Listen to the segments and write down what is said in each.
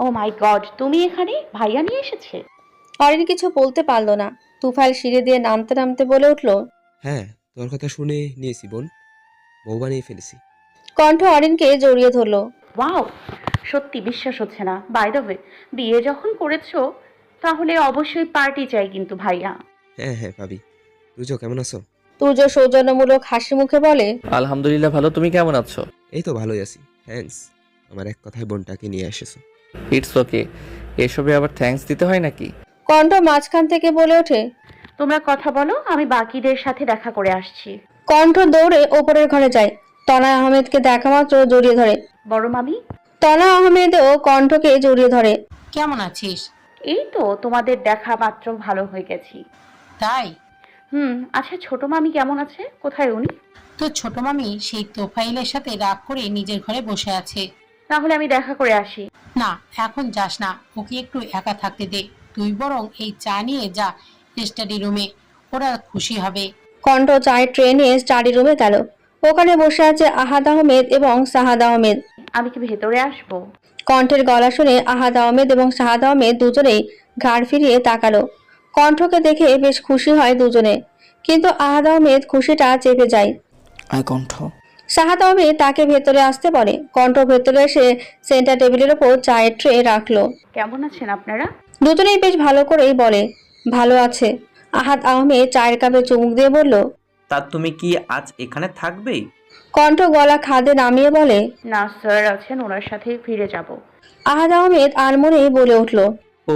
ও মাই god, তুমি এখানে? ভাইয়া নিয়ে এসেছে? অরিন কিছু বলতে পারল না। তুফাইল সিঁড়ি দিয়ে নামতে নামতে বলে উঠল। হ্যাঁ, তোর কথা শুনে নিয়েছি বোন, বউ বানিয়ে ফেলেছি। কণ্ঠ অরিনকে জড়িয়ে ধরল। ওয়াও, সত্যি বিশ্বাস হচ্ছে না। বাই দ্য ওয়ে, বিয়ে যখন করেছো তাহলে অবশ্যই পার্টি চাই কিন্তু ভাইয়া। হ্যাঁ হ্যাঁ ভাবি, তুজো কেমন আছো? তুর্য সৌজন্যমূলক হাসি মুখে বলে। আলহামদুলিল্লাহ ভালো, তুমি কেমন আছো? এই তো ভালোই আছি, থ্যাঙ্কস। আমার এক কথায় বোনটাকে নিয়ে এসেছো। ইটস ওকে, এসবে আবার থ্যাঙ্কস দিতে হয় নাকি? কণ্ঠ মাঝখান থেকে বলে ওঠে। তোমরা কথা বলো, আমি বাকিদের সাথে দেখা করে আসছি। কণ্ঠ দৌড়ে ওপরের ঘরে যায়। তনা আহমেদকে দেখা মাত্র জড়িয়ে ধরে। বড় মামি, তনা আহমেদও কণ্ঠকে জড়িয়ে ধরে। কেমন আছিস? এই তো তোমাদের দেখা মাত্র ভালো হয়ে গেছি। তাই? আচ্ছা, ছোট মামি কেমন আছে? কোথায় উনি? তোর ছোট মামি সেই তোফাইলের সাথে রাগ করে নিজের ঘরে বসে আছে। তাহলে আমি দেখা করে আসি। না, এখন যাস না, ওকে একটু একা থাকতে দে। তুই বরং এই চা নিয়ে যা স্টাডি রুমে, ওরা খুশি হবে। কণ্ঠ চায়ের ট্রে নিয়ে স্টাডি রুমে গেল। ওখানে বসে আছে আহাদ আহমেদ এবং সাহাদ আহমেদ। আমি কি ভেতরে আসবো? কণ্ঠের গলা শুনে আহাদ আহমেদ এবং সাহাদ আহমেদ দুজনেই ঘাড় ফিরিয়ে তাকালো। কণ্ঠকে দেখে বেশ খুশি হয় দুজনে, কিন্তু আহাদ আহমেদ খুশিটা চেপে যায়। আয় কণ্ঠ। সাহাদ আহমেদ তাকে ভেতরে আসতে বলে। কণ্ঠ ভেতরে এসে সেন্টার টেবিলের ওপর চায়ের ট্রে রাখলো। কেমন আছেন আপনারা? দুজনেই বেশ ভালো করেই বলে। ভালো আছে। আহাদ আহমেদ চায়ের কাপে চুমুক দিয়ে বলল। তা তুমি কি আজ এখানে থাকবে? কণ্ঠ গলা খাদে নামিয়ে বলে। না স্যার আছেন, ওনার সাথেই ফিরে যাব। আহাদ আহমেদ আনমনেই বলে উঠল। ও,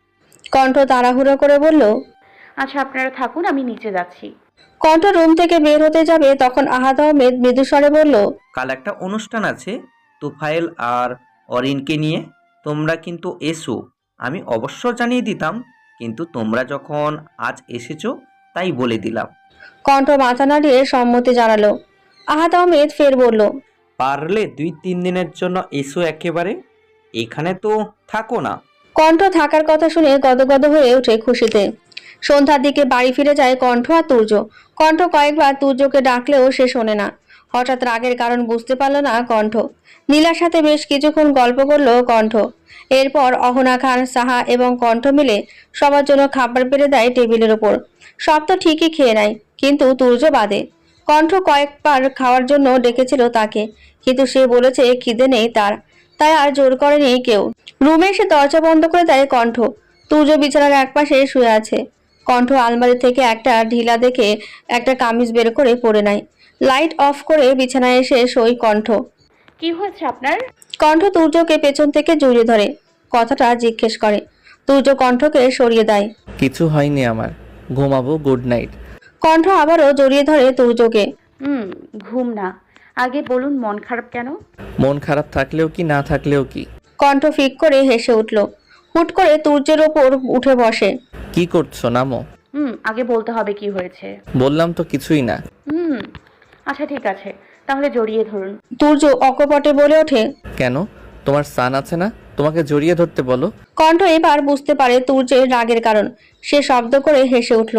কণ্ঠ তাড়াহুড়ো করে বলল। আচ্ছা আপনারা থাকুন, আমি নিচে যাচ্ছি। কণ্ঠ রুম থেকে বের হতে যাবে তখন আহাদ আহমেদ মৃদুস্বরে বলল। কাল একটা অনুষ্ঠান আছে তুফাইল আর অরিনকে নিয়ে, তোমরা কিন্তু এসো। আমি অবশ্য জানিয়ে দিতাম, কিন্তু তোমরা যখন আজ এসেছো তাই বলে দিলাম। কণ্ঠ মাথা নাড়িয়ে সম্মতি জানালো। আহাদ আহমেদ ফের বলল। পারলে 2-3 দিনের জন্য এসো একেবারে, এখানে তো থাকো না। কণ্ঠ থাকার কথা শুনে গদগদ হয়ে ওঠে খুশিতে। সন্ধ্যার দিকে বাড়ি ফিরে যায় কণ্ঠ আর তুর্য। কণ্ঠ কয়েকবার তুর্যকে ডাকলেও সে শোনে না। হঠাৎ রাগের কারণ বুঝতে পারল না কণ্ঠ। নীলার সাথে বেশ কিছুক্ষণ গল্প করলো কণ্ঠ। এরপর অহনা খান, সাহা এবং কণ্ঠ মিলে সবার জন্য খাবার বেড়ে দেয় টেবিলের ওপর। সব তো ঠিকই খেয়ে নেয়, কিন্তু তুর্য বাদে। কণ্ঠ কয়েকবার খাওয়ার জন্য ডেকেছিল তাকে, কিন্তু সে বলেছে খিদে নেই তার, তাই আর জোর করেনি কেউ। রুমে এসে দরজা বন্ধ করে দেয় কণ্ঠ। তুর্য বিছানার একপাশে শুয়ে আছে। কণ্ঠ আলমারি থেকে একটা ঢিলা দেখে একটা কামিজ বের করে পরে নেয়। লাইট অফ করে বিছানায় এসে শোয় কণ্ঠ। কি হয়েছে আপনার? কণ্ঠ তুর্যকে পেছন থেকে জড়িয়ে ধরে কথাটা জিজ্ঞেস করে। তুর্য কণ্ঠকে সরিয়ে দেয়। কিছু হয়নি আমার, ঘুমাবো, গুড নাইট। কণ্ঠ আবারও জড়িয়ে ধরে তুর্যকে। ঘুম না, আগে বলুন মন খারাপ কেন? মন খারাপ থাকলেও কি না থাকলেও কি। কণ্ঠ ফিক করে হেসে উঠল। হুট করে তুর্যের ওপর উঠে বসে। কি করছো, নামো। আগে বলতে হবে কি হয়েছে। বললাম তো কিছুই না। আচ্ছা ঠিক আছে, তাহলে জড়িয়ে ধরুন। তুর্য অকপটে বলে ওঠে। কেন, তোমার সান আছে না, তোমাকে জড়িয়ে ধরতে বলো। কণ্ঠ এবার বুঝতে পারে তুর্যের রাগের কারণ। সে শব্দ করে হেসে উঠল।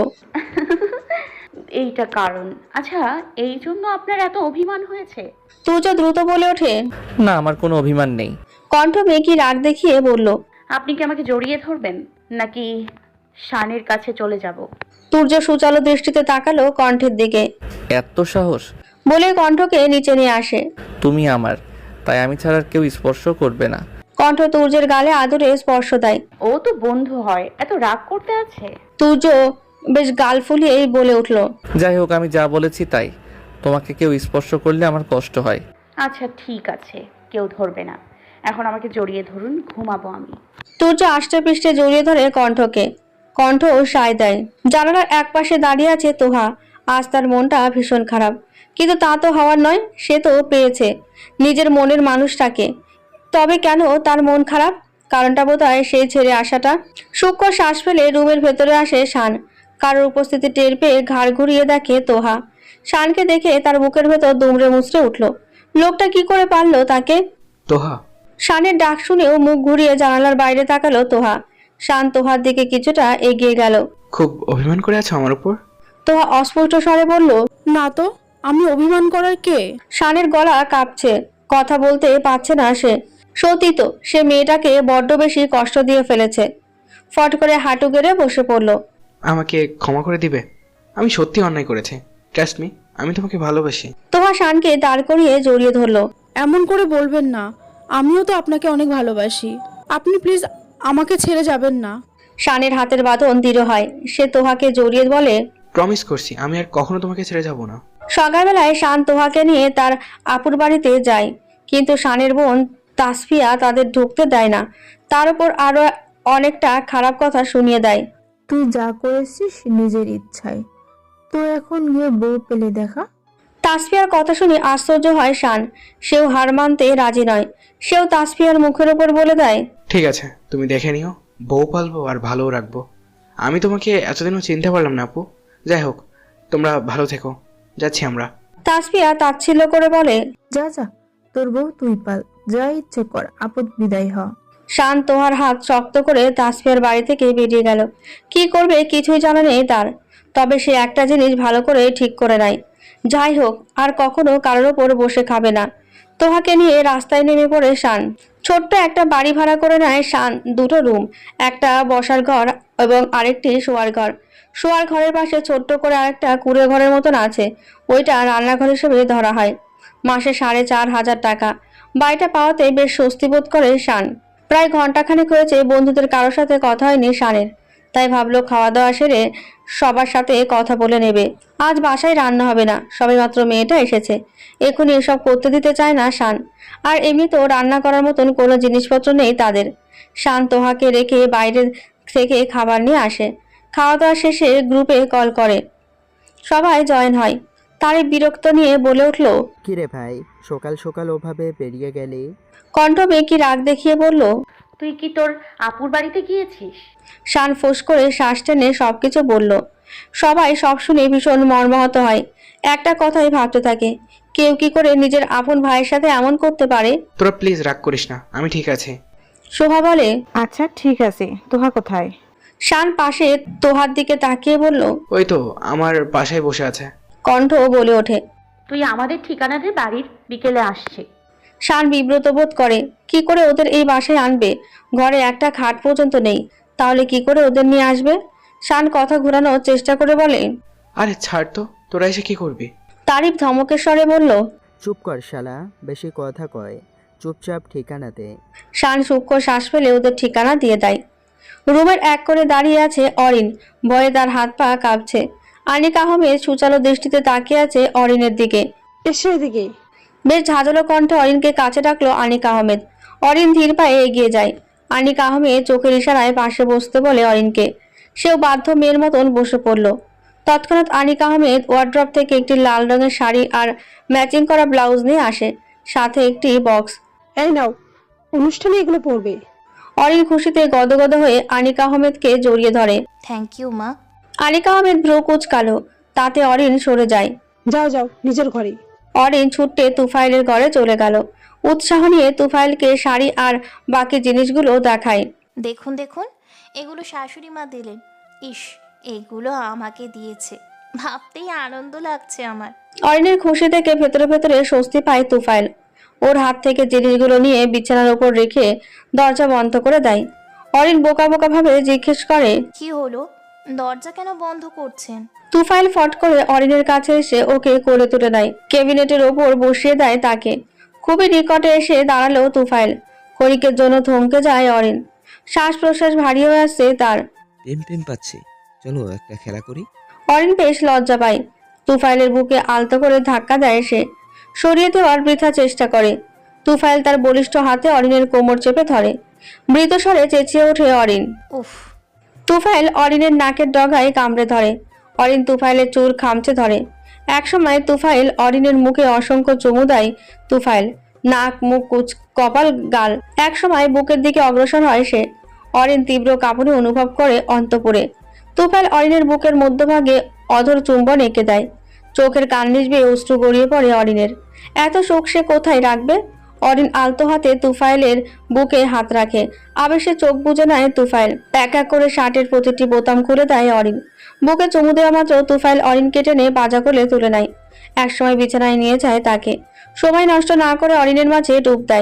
এইটা কারণ? আচ্ছা, এই জন্য আপনার এত অভিমান হয়েছে? তুর্য দ্রুত বলে ওঠে। না, আমার কোনো অভিমান নেই। কণ্ঠ মেকি রাগ দেখিয়ে বলল। আপনি কি আমাকে জড়িয়ে ধরবেন নাকি শানের কাছে চলে যাব? তুর্য সুচালো দৃষ্টিতে তাকালো কণ্ঠের দিকে। এত সাহস! বলে কণ্ঠকে নিচে নিয়ে আসে। তুমি আমার, তাই আমি ছাড়া আর কেউ স্পর্শ করবে না। কণ্ঠ তুর্যের গালে আদরে স্পর্শ দেয়। ও তো বন্ধু হয়, এত রাগ করতে আছে? তুর্য বেশ গাল ফুলিয়েই বলে উঠল। যাই হোক, আমি যা বলেছি তাই। তোমাকে কেউ স্পর্শ করলে আমার কষ্ট হয়। আচ্ছা ঠিক আছে, কেউ ধরবে না। এখন আমাকে জড়িয়ে ধরুন, ঘুমাবো আমি। তুর্য আষ্টে পৃষ্ঠে জড়িয়ে ধরে কণ্ঠকে। কণ্ঠ সায় দেয়। জানালার একপাশে দাঁড়িয়ে আছে তোহা। আজ তার মনটা ভীষণ খারাপ, কিন্তু তা তো হওয়ার নয়। সে তো পেয়েছে নিজের মনের মানুষটাকে। তবে কেন তার মন খারাপ? কারণটা বোধহয় সেই ছেড়ে আসাটা। সূক্ষ্ম শ্বাস ফেলে রুমের ভেতরে আসে শান। কারোর উপস্থিতি টের পেয়ে ঘাড় ঘুরিয়ে দেখে তোহা। শানকে দেখে তার বুকের ভেতর দুমড়ে মুচড়ে উঠল। লোকটা কি করে পারলো তাকে? তোহা। শানের ডাক শুনেও মুখ ঘুরিয়ে জানালার বাইরে তাকালো তোহা। শান তোহার দিকে কিছুটা এগিয়ে গেল। খুব অভিমান করে আছো আমার উপর? তোহা অস্পষ্ট স্বরে বলল। না তো, আমি অভিমান করার কে? শানের গলা কাঁপছে, কথা বলতে পারছে না সে। সত্যি তো সে মেয়েটাকে বড্ড বেশি কষ্ট দিয়ে ফেলেছে। ফট করে হাঁটু গেড়ে বসে পড়ল। আমাকে ক্ষমা করে দিবে? আমি সত্যি অন্যায় করেছি, ট্রাস্ট মি, আমি তোমাকে ভালোবাসি। তোহা শানকে দাঁড় করিয়ে জড়িয়ে ধরলো। এমন করে বলবেন না, আমিও তো আপনাকে অনেক ভালোবাসি। আপনি প্লিজ আমাকে ছেড়ে যাবেন না। শানের হাতের বাঁধন দৃঢ় হয়, সে তোহাকে জড়িয়ে বলে, প্রমিস করছি আমি আর কখনো তোমাকে ছেড়ে যাব না। সকালবেলায় শান তোহাকে নিয়ে তার আপুর বাড়িতে যায়, কিন্তু শানের বোন তাসফিয়া তাদের ঢুকতে দেয় না। তার উপর আরো অনেকটা খারাপ কথা শুনিয়ে দেয়। তুই যা করেছিস নিজের ইচ্ছায়, তো এখন গিয়ে বউ পেলে দেখা। তাসফিয়ার কথা শুনে আশ্চর্য হয় শান। সেও হার মানতে রাজি নয়। সেও তাসফিয়ার মুখের উপর বলে দেয়, ঠিক আছে, তুমি দেখে নিও, বউ পালবো আর ভালোও রাখবো। আমি তোমাকে এতদিনও চিনতে পারলাম না আপু। যাই হোক, তোমরা ভালো থেকো, যাচ্ছি আমরা। তাসফিয়া তাচ্ছিল্য করে বলে। যা যা, তোর বউ তুই পাল, যা ইচ্ছে কর, আপদ বিদায় হ। শান তোহার হাত শক্ত করে তাসফিয়ার বাড়ি থেকে বেরিয়ে গেল। কি করবে কিছুই জানা নেই তার। তবে সে একটা জিনিস ভালো করে ঠিক করে নেয়, যাই হোক আর কখনো কারোর ওপর বসে খাবে না। তোহাকে নিয়ে রাস্তায় নেমে পড়ে শান। ছোট্ট একটা বাড়ি ভাড়া করে নেয় শান, দুটো রুম, একটা বসার ঘর এবং আরেকটি শোয়ার ঘর। শোয়ার ঘরের পাশে ছোট্ট করে আরেকটা কুঁড়ে ঘরের মতন আছে, ওইটা রান্নাঘর হিসেবে ধরা হয়। মাসে 4,500 টাকা। বাড়িটা পাওয়াতে বেশ স্বস্তি বোধ করে শান। প্রায় ঘন্টাখানেক হয়েছে বন্ধুদের কারোর সাথে কথা হয়নি শানের, তাই ভাবলো খাওয়া দাওয়া সেরে সবার সাথে কথা বলে নেবে। আজ বাসায় রান্না হবে না, সবেমাত্র মেয়েটা এসেছে, এখনই এসব করতে দিতে চায় না শান। আর এমনিতেও রান্না করার মতন কোনো জিনিসপত্র নেই তাদের। শান তোহাকে রেখে বাইরে থেকে খাবার নিয়ে আসে। খাওয়া দাওয়া শেষে গ্রুপে কল করে, সবাই জয়েন হয়। তারিফ বিরক্ত নিয়ে বলে উঠল, কিরে ভাই, সকাল সকাল ওভাবে বেরিয়ে গেলি? কণ্ঠ বেঁকি রাগ দেখিয়ে বলল, তুই কি তোর আপুর বাড়িতে গিয়েছিস? শান ফোঁস করে শ্বাস টেনে সবকিছু বলল। সবাই সব শুনে ভীষণ মর্মাহত হয়। একটা কথাই ভাবতে থাকে, কেউ কি করে নিজের আপন ভাইয়ের সাথে এমন করতে পারে। তোরা প্লিজ রাগ করিস না, আমি ঠিক আছি। শোভা বলে, আচ্ছা ঠিক আছে, তোহা কোথায়? শান পাশে তোহার দিকে তাকিয়ে বলল, ওই তো আমার বাসায় বসে আছে। কণ্ঠ বলে ওঠে, তুই আমাদের ঠিকানা দে, বাড়ির বিকেলে আসছে। শান বিব্রত বোধ করে, কি করে ওদের এই বাসায় আনবে? ঘরে একটা খাট পর্যন্ত নেই, তাহলে কি করে ওদের নিয়ে আসবে? শান কথা ঘোরানোর চেষ্টা করে বলে, আরে ছাড় তো, তোরা এসে কি করবি? তারিফ ধমকের স্বরে বলল। চুপ কর শালা, বেশি কথা কয়, চুপচাপ ঠিকানা দে। শান সূক্ষ্ম শ্বাস ফেলে ওদের ঠিকানা দিয়ে দেয়। রুমের এক করে দাঁড়িয়ে আছে অরিন, ভয়ে তার হাত পা কাঁপছে। আনিক আহমেদ সুচালো দৃষ্টিতে তাকিয়ে আছে অরিনের দিকে। এসে এদিকে। বেশ ঝাঁঝালো কণ্ঠে অরিনকে কাছে ডাকলো আনিক আহমেদ। অরিন ধীর পায়ে এগিয়ে যায়। আনিক আহমেদ চোখের ইশারায় পাশে বসতে বলে অরিনকে। সেও বাধ্য মেয়ের মতন বসে পড়ল। তৎক্ষণাৎ আনিক আহমেদ ওয়ার্ড্রপ থেকে একটি লাল রঙের শাড়ি আর ম্যাচিং করা ব্লাউজ নিয়ে আসে, সাথে একটি বক্স। এই নাও, অনুষ্ঠানে এগুলো পড়বে। অরিন খুশিতে গদগদ হয়ে আনিক আহমেদকে জড়িয়ে ধরে। থ্যাংক ইউ মা। আনিক আহমেদ ভ্রু কুঁচকালো, তাতে অরিন সরে যায়। যাও যাও নিজের ঘরে। অরিন ছুটতে তুফাইলের ঘরে চলে গেল। উৎসাহ নিয়ে তুফাইলকে শাড়ি আর বাকি জিনিসগুলো দেখায়। দেখুন দেখুন, এগুলো শাশুড়ি মা দিলেন। ইস, এগুলো আমাকে দিয়েছে, ভাবতেই আনন্দ লাগছে আমার। অরিনের খুশি থেকে ভেতরে ভেতরে স্বস্তি পায় তুফাইল। ওর হাত থেকে জিনিসগুলো নিয়ে বিছানার উপর রেখে দরজা বন্ধ করে দেয়। অরিন বোকা বোকা ভাবে জিজ্ঞেস করে, কি হলো, দরজা কেন বন্ধ করছেন? তুফাইল ফট করে অরিনের কাছে এসে ওকে কোলে তুলে নেয়, কেবিনেটের ওপর বসিয়ে দেয় তাকে। খুবই নিকটে এসে দাঁড়ালো তুফাইল। ক্ষণিকের জন্য থমকে যায় অরিন। শ্বাস প্রশ্বাস ভারী হয়ে আসছে তার। টেম পাচ্ছি, চলো একটা খেলা করি। অরিন বেশ লজ্জা পায়। তুফাইলের বুকে আলতো করে ধাক্কা দেয় সে। সরিয়ে দেওয়ার বৃথা চেষ্টা করে। তুফাইল তার বলিষ্ঠ হাতে অরিনের কোমর চেপে ধরে। মৃত স্বরে চেঁচিয়ে ওঠে অরিন। উফ। তুফাইল অরিনের নাকের ডগায় কামড়ে ধরে। অরিন তুফাইলের চুল খামচে ধরে। একসময় তুফাইল অরিনের মুখে অসংখ্য চুমু দেয়। তুফাইল নাক, মুখ, কপাল, গাল। একসময় বুকের দিকে অগ্রসর হয় সে। অরিন তীব্র কাঁপুনি অনুভব করে অন্তঃপুরে। তুফাইল অরিনের বুকের মধ্যভাগে অধর চুম্বন এঁকে দেয়। চোখের কান্নিস বেয়ে অশ্রু গড়িয়ে পড়ে অরিনের। এত শোক সে কোথায় রাখবে? অরিন আলতো হাতে তুফাইলের বুকে হাত রাখে। আবেশে চোখ বুজে নেয় তুফাইল। এক এক করে শার্টের প্রতিটি বোতাম খুলে দেয় অরিন। বুকে চুমু দেওয়া মাত্র তুফাইল অরিনকে টেনে বাজা কোলে তুলে নেয়। একসময় বিছানায় নিয়ে যায় তাকে। সময় নষ্ট না করে অরিনের মাঝে ডুব দেয়।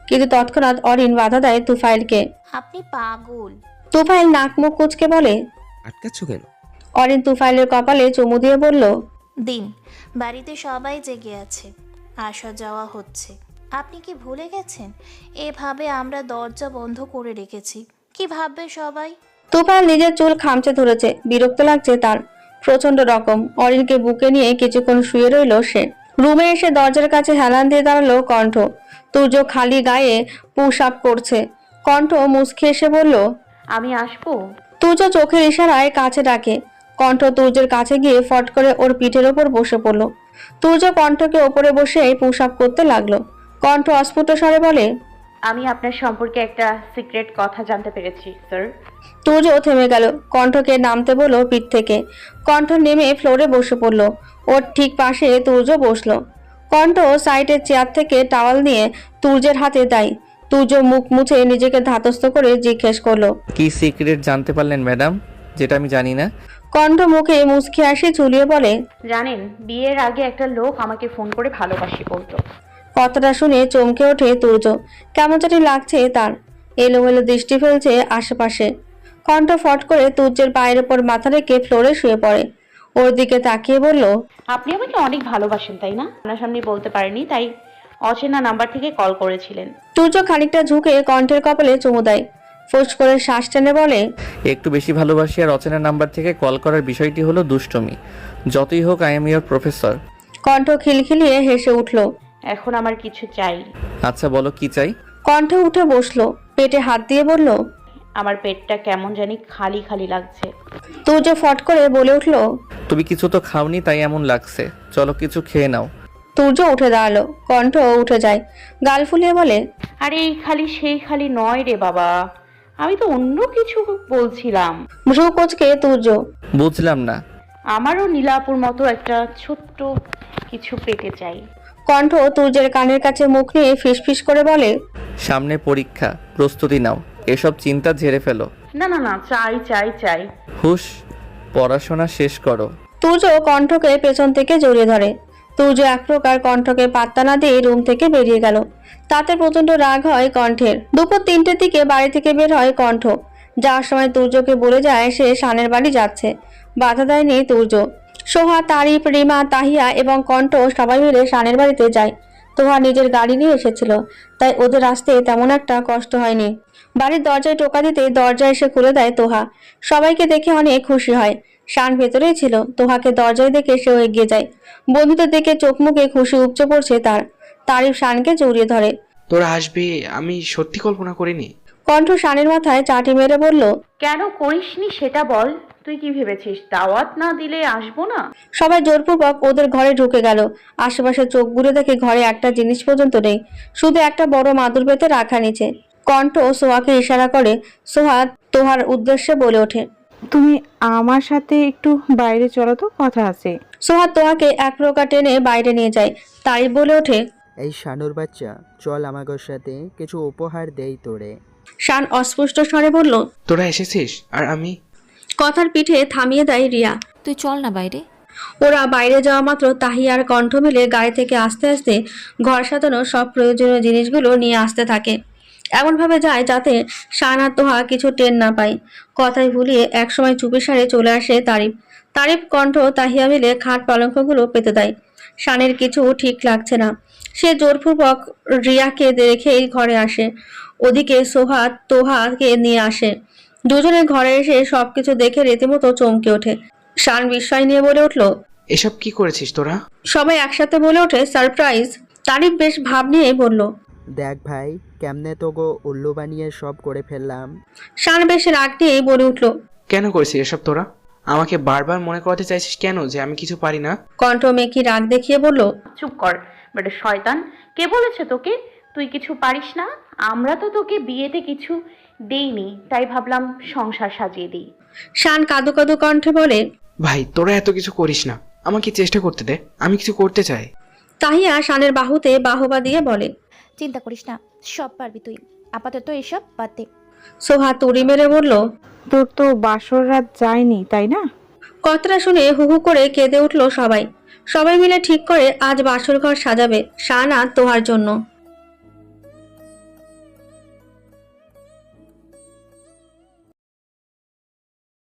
কিন্তু তৎক্ষণাৎ অরিন বাধা দেয় তুফাইলকে। আপনি পাগল। তুফাইল নাক মুখ কুচকে বলে। আটকাচ্ছ কেন? অরিন তুফাইলের কপালে চুমু দিয়ে বলল, দিন, বাড়িতে সবাই জেগে আছে, আসা যাওয়া হচ্ছে। আপনি কি ভুলে গেছেন এভাবে আমরা দরজা বন্ধ করে রেখেছি? কি ভাববে সবাই? তুফাইল নিজের চুল খামচে ধরেছে, বিরক্ত লাগছে তার প্রচন্ড রকম। অরিনকে বুকে নিয়ে কিছুক্ষণ শুয়ে রইল সে। রুমে এসে দরজার কাছে হেলান দিয়ে দাঁড়ালো কণ্ঠ। তুর্য খালি গায়ে পুশ আপ করছে। কণ্ঠ মুচকি এসে বলল, আমি আসবো? তুর্য চোখের ইশারায় কাছে ডাকে। কণ্ঠ তুর্যের কাছে গিয়ে ফট করে ওর পিঠের ওপর বসে পড়ল। তুর্য কণ্ঠকে ওপরে বসে পুশ আপ করতে লাগলো। কণ্ঠ অস্ফুট স্বরে বলে, আমি আপনার সম্পর্কে একটা সিক্রেট কথা জানতে পেরেছি স্যার। তুর্য থেমে গেল। কণ্ঠকে নামতে বলল পিঠ থেকে। কণ্ঠ নেমে ফ্লোরে বসে পড়ল। ওর ঠিক পাশে তুর্য বসলো। কণ্ঠ সাইডের চেয়ার থেকে টাওয়াল নিয়ে তুর্যের হাতে দেয়। তুর্য মুখ মুছে নিজেকে ধাতস্থ করে জিজ্ঞেস করলো, কি সিক্রেট জানতে পারলেন ম্যাডাম, যেটা আমি জানি না? কণ্ঠ মুখে মুচকি হাসি ঝুলিয়ে বলে, জানেন, বিয়ের আগে একটা লোক আমাকে ফোন করে ভালোবাসি বলতো। কথাটা শুনে চমকে ওঠে তুর্য। কেমন জানি লাগছে তার। এলোমেলো দৃষ্টি ফেলছে আশেপাশে। কণ্ঠ ফট করে তুর্যের পায়ের ওপর মাথা রেখে ফ্লোরে শুয়ে পড়ে। ওর দিকে তাকিয়ে বলল, আপনি আমাকে অনেক ভালোবাসেন তাই না? সামনাসামনি বলতে পারেনি, তাই অচেনা নাম্বার থেকে কল করেছিলেন। তুর্য খানিকটা ঝুঁকে কণ্ঠের কপালে চুমু দেয়। ফোঁস করে শ্বাস টেনে বলে, একটু বেশি ভালোবাসি আর অচেনা নাম্বার থেকে কল করার বিষয়টি হলো দুষ্টমি। যতই হোক আই এম ইয়োর প্রফেসর। কণ্ঠ খিলখিলিয়ে হেসে উঠল। এখন আমার কিছু চাই। আচ্ছা বলো কি চাই? কণ্ঠ উঠে বসলো, পেটে হাত দিয়ে বলল, আমার পেটটা কেমন জানি খালি খালি লাগছে। তুর্য ফট করে বলে উঠল, তুমি কিছু তো খাওনি তাই এমন লাগছে, চলো কিছু খেয়ে নাও। তুর্য উঠে দাঁড়ালো। কণ্ঠ উঠে যায়, গাল ফুলিয়ে বলে, আরে এই খালি সেই খালি নয় রে বাবা, আমি তো অন্য কিছু বলছিলাম। ভ্রু কোচকে তুর্য, বুঝলাম না। আমারও নীলাপুর মতো একটা ছোট্ট কিছু পেতে চাই। কণ্ঠ তুর্যের কানের কাছে মুখ নিয়ে ফিসফিস করে বলে, সামনে পরীক্ষা, প্রস্তুতি নাও, এসব চিন্তা ঝেড়ে ফেলো। না না না, চাই চাই চাই। হুশ, পড়াশোনা শেষ করো। তুর্য কণ্ঠকে পেছন থেকে জড়িয়ে ধরে। তুর্য এক প্রকার কণ্ঠকে পাত্তা না দিয়ে রুম থেকে বেরিয়ে গেল। তাতে প্রচন্ড রাগ হয় কণ্ঠের। দুপুর 3টের দিকে বাড়ি থেকে বের হয় কণ্ঠ। যাওয়ার সময় তুর্যকে বলে যায় সে শানের বাড়ি যাচ্ছে। বাধা দেয়নি তুর্য। সোহা, তারিফ, রিমা, তাহিয়া এবং কণ্ঠ সবাই মিলে শানের বাড়িতে যায়। তোহা নিজের গাড়ি নিয়ে এসেছিল, তাই ওদের আসতে তেমন একটা কষ্ট হয়নি। বাড়ির দরজায় টোকা দিতে দরজা এসে খুলে দেয় তোহা। সবাইকে দেখে অনেক খুশি হয়। শান ভেতরেই ছিল। তোহাকে দরজায় দেখে সেও এগিয়ে যায়। বন্ধুদের দেখে চোখ মুখে খুশি উপচে পড়ছে তার। তারিফ শানকে জড়িয়ে ধরে। তোরা আসবি আমি সত্যি কল্পনা করিনি। কণ্ঠ শানের মাথায় চাটি মেরে বলল, কেন করিসনি সেটা বল। তুই কি ভেবেছিস দাওয়াত না দিলে আসবো না? সবাই জোরপূর্বক ওদের ঘরে ঢুকে গেল। আশেপাশে চোখ ঘুরে দেখে ঘরে একটা জিনিস পর্যন্ত নেই, শুধু একটা বড় মাদুর পেতে রাখা নিচে। কণ্ঠ সোহাকে ইশারা করে। সোহা তোহার উদ্দেশ্যে বলে ওঠে, তুমি আমার সাথে একটু বাইরে চলো তো, কথা আছে। সোহা তোহাকে এক প্রকার টেনে বাইরে নিয়ে যায়। তারিফ বলে ওঠে, এই শানুর বাচ্চা, চল আমাগোর সাথে কিছু উপহার দেই তোরে। শান অস্পষ্ট স্বরে বলল, তোরা এসেছিস আর আমি? কথার পিঠে থামিয়ে দেয় রিয়া। তুই চল না বাইরে। ওরা বাইরে যাওয়া মাত্র তাহিয়া আর কণ্ঠ মিলে গাড়ি থেকে আস্তে আস্তে ঘর সাজানো সব প্রয়োজনীয় জিনিসগুলো নিয়ে আসতে থাকে। এমনভাবে যায় যাতে শান আর তোহা কিছু টের না পায়। কথায় ভুলিয়ে একসময় চুপিসারে চলে আসে তারিফ। তারিফ, কণ্ঠ, তাহিয়া মিলে খাট পালঙ্কগুলো পেতে দেয়। শানের কিছু ঠিক লাগছে না। সে জোরপূর্বক রিয়াকে রেখেই ঘরে আসে। ওদিকে সোহা তোহাকে নিয়ে আসে। দুজনে ঘরে এসে সবকিছু দেখে রীতিমতো চমকে ওঠে। শান বিস্ময় নিয়ে বলে উঠল, এসব কি করেছিস তোরা? সবাই একসাথে বলে ওঠে, সারপ্রাইজ। তারিফ বেশ ভাব নিয়ে বলল, দেখ ভাই, কেমনে তো গো উল্লু বানিয়ে সব করে ফেললাম। শান বেশ রাগ নিয়ে বলে উঠল, কেন করেছিস এসব তোরা? আমাকে বারবার মনে করাতে চাইছিস কেন যে আমি কিছু পারি না? কণ্ঠ মেকি রাগ দেখিয়ে বলল, চুপ কর বেটা শয়তান। কে বলেছে তোকে তুই কিছু পারিস না? আমরা তো তোকে বিয়েতে কিছু দেইনি, তাই ভাবলাম সংসার সাজিয়ে দিই। শান কাদু কাদু কণ্ঠে বলে, ভাই তোরা এত কিছু করিস না, আমাকে চেষ্টা করতে দে, আমি কিছু করতে চাই। তাহিয়া শানের বাহুতে বাহবা দিয়ে বলে, চিন্তা করিস না, সব পারবি তুই, আপাতত এসব বাদ দে। সোহা তুড়ি মেরে বলল, তোর তো বাসর রাত যায়নি তাই না? কথাটা শুনে হু হু করে কেঁদে উঠল সবাই। সবাই মিলে ঠিক করে আজ বাসর ঘর সাজাবে শান আর তোহার জন্য।